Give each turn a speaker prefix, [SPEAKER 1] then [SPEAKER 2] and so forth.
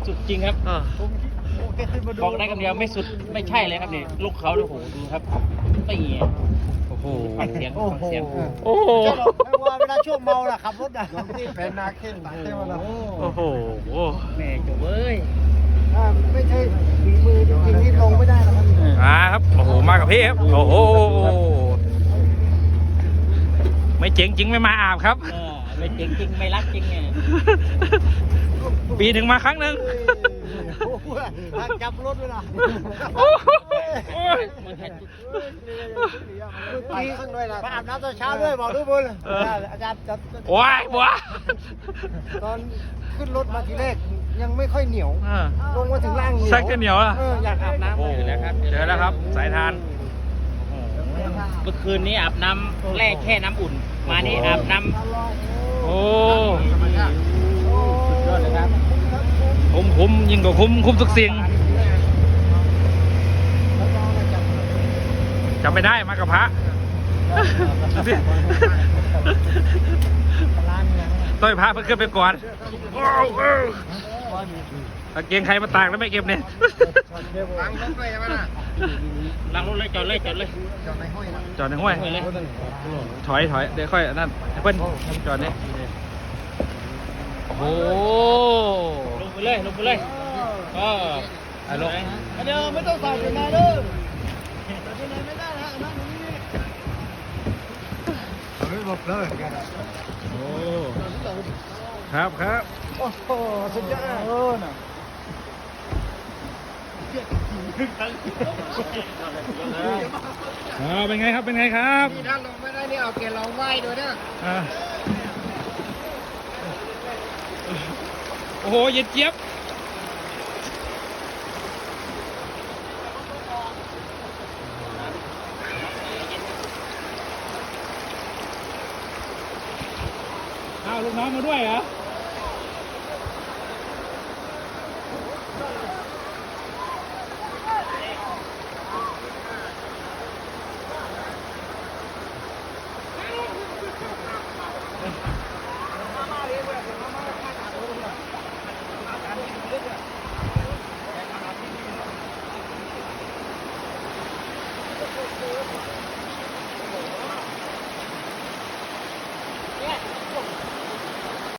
[SPEAKER 1] สุดจริงครับบอกได้คำเดียวไม่สุดไม่ใช่เลยครับนี่ลูกเขาโอ้โหดูครับตี
[SPEAKER 2] โอ้โห
[SPEAKER 1] ฟังเสียงฟังเสียง
[SPEAKER 2] โอ้โห
[SPEAKER 3] ไม่ว่าเวลาช่วงเมาน่ะขับรถน่ะนี่เป็นนาเข่นเท่านั้น
[SPEAKER 2] โอ้โห
[SPEAKER 1] แม่จุ๊บเอ้ย
[SPEAKER 3] ไม่ใช่ฝีมือจริงๆที่ลงไม่ได้นะครับ
[SPEAKER 2] ครับโอ้โหมากับพี่ครับโอ้โหไม่เจ๋งจริงไม่มาอาบครับ
[SPEAKER 1] ไม่จริงจริงไม่รักจริงไง
[SPEAKER 2] ปีหนึ่งมาครั้งหนึ่ง
[SPEAKER 3] จับรถเวลา
[SPEAKER 2] โอ้ย
[SPEAKER 3] ไปข้างด้วยล่ะไปอาบน้ำตอนเช้าด้วยบอกทุกคนอาจารย์
[SPEAKER 2] ว้ายบัว
[SPEAKER 3] ตอนขึ้นรถมาทีแรกยังไม่ค่อยเหนียวลงมาถึงล่างเหนียว
[SPEAKER 2] แซกจะเหนียวล่ะ
[SPEAKER 3] อยากอาบน้ำ
[SPEAKER 2] โอ้โหเจอแล้วครับสายทาน
[SPEAKER 1] เมื่อคืนนี้อาบน้ำแร่แค่น้ำอุ่น มานี่อาบน้ำ
[SPEAKER 2] โอ้
[SPEAKER 1] สุดยอดเลยครับ
[SPEAKER 2] คุ้มยิ่งกว่าคุ้มทุกสิ่งจำไม่ได้มากับพระต้อยพระเพิ่งขึ้นไปก่อนตะเกียงใครมาตากแล้วไม่เก็บเนี่ย
[SPEAKER 3] ล้างรถด้วยใช่ไหมล่ะ
[SPEAKER 1] ล้างรถเลยจอดเลยจอดเลย
[SPEAKER 3] จอดในห้อยนะ
[SPEAKER 2] จอดในห้วย
[SPEAKER 1] เลย
[SPEAKER 2] ถอยเดี๋ยวค่อยนั่นเพิ่นจอดนี่โอ้
[SPEAKER 1] ลงไปเลยลงไปเลยก็ลง
[SPEAKER 3] เดี๋ยวไม่ต้องใส่เป็นนายเด้อใส่เป็นนายไม่ได้นะนั่งตรงนี้เฮ้ยหลบเลย
[SPEAKER 2] โอ้ครับครับ
[SPEAKER 3] โอ้โหสุดยอดน่ะ
[SPEAKER 2] เป็นไงครับเป็นไงครับ
[SPEAKER 3] นี่ถ้าลงไม่ได้นี่เอาเกล็ดเราไหว้ด้วยนะ
[SPEAKER 2] โอ้โหเย็นเจี๊ยบอ้าวลูกน้องมาด้วยเหรอ